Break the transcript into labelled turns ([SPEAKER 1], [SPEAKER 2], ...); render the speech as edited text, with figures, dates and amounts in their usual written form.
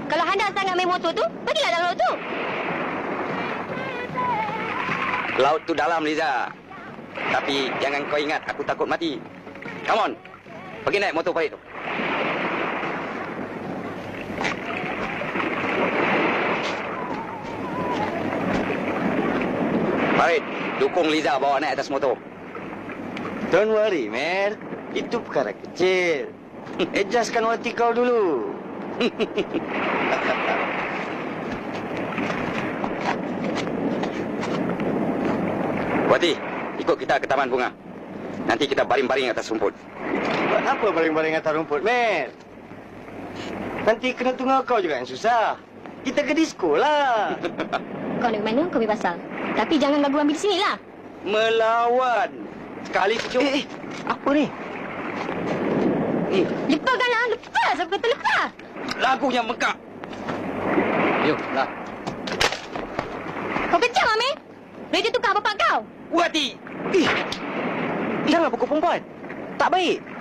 [SPEAKER 1] Kalau hendak sangat main motor tu, pergilah dalam laut tu.
[SPEAKER 2] Laut tu dalam, Liza. Tapi jangan kau ingat aku takut mati. Come on. Pergi naik motor Farid tu. Farid, dukung Liza bawa naik atas motor.
[SPEAKER 3] Don't worry, man. Itu perkara kecil. Adjustkan hati kau dulu.
[SPEAKER 2] Wati, ikut kita ke taman bunga. Nanti kita baring-baring atas rumput.
[SPEAKER 3] Buat apa baring-baring atas rumput, man? Nanti kena tunggu kau juga yang susah. Kita ke disco lah.
[SPEAKER 1] Kau nak ke mana, kau bebas asal. Tapi jangan ganggu ambil di sini lah.
[SPEAKER 2] Melawan. Sekali pucuk.
[SPEAKER 3] Apa ni?
[SPEAKER 1] Lepaskanlah, lepas. Aku kata lepas.
[SPEAKER 2] Lagunya mekak. Yuk, lah.
[SPEAKER 1] Kau kecam, Amir. Radio tukar bapak kau.
[SPEAKER 2] Wati.
[SPEAKER 3] Jangan pukul perempuan. Tak baik.